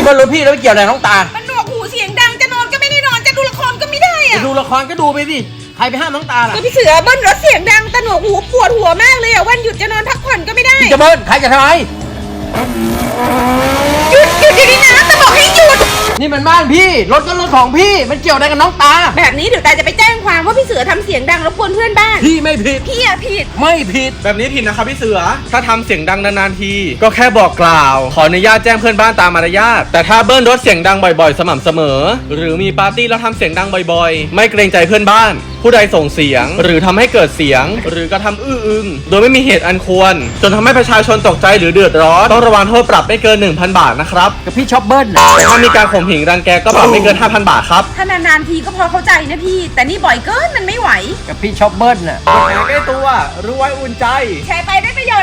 บิ้ลรถพี่แล้วเกี่ยวอะไรน้องตามันหนวกหูเสียงดังจะนอนก็ไม่ได้นอนจะดูละครก็ไม่ได้อะจะดูละครก็ดูไปสิใครไปห้ามน้องตาล่ะก็พี่เสือเบิ้ลรถเสียงดังตะหนวกหูปวดหัวมากเลยอะวันหยุดจะนอนพักผ่อนก็ไม่ได้จะเบิ้ลใครจะทำไมหยุดเดี๋ยวนี้นะจะบอกให้หยุดนี่มันบ้านพี่รถก็รถของพี่มันเกี่ยวอะไรกับน้องตาแบบนี้เดี๋ยวตาจะไปแจ้งความว่าพี่เสือทำเสียงดังรบกวนเพื่อนบ้านพี่ไม่ผิดพี่อะผิดไม่ผิดแบบนี้ผิดนะครับพี่เสือถ้าทำเสียงดังนานๆทีก็แค่บอกกล่าวขออนุญาตแจ้งเพื่อนบ้านตามมารยาทแต่ถ้าเบิ้ลรถเสียงดังบ่อยๆสม่ำเสมอหรือมีปาร์ตี้แล้วทำเสียงดังบ่อยๆไม่เกรงใจเพื่อนบ้านผู้ใดส่งเสียงหรือทำให้เกิดเสียงหรือกระทำอื้ออึงโดยไม่มีเหตุอันควรจนทำให้ประชาชนตกใจหรือเดือดร้อนต้องระวังโทษปรับไม่เกิน 1,000 บาทนะครับกับพี่ชอบเบิ้ลถ้ามีการข่มเหงรังแกก็ปรับไม่เกิน 5,000 บาทครับถ้านานๆทีก็พอเข้าใจนะพี่แต่นี่บ่อยเกินมันไม่ไหวกับพี่ชอบเบิ้ลน่ะกฎหมายใกล้ตัวรู้ไว้อุ่นใจแชร์ไปได้ประโย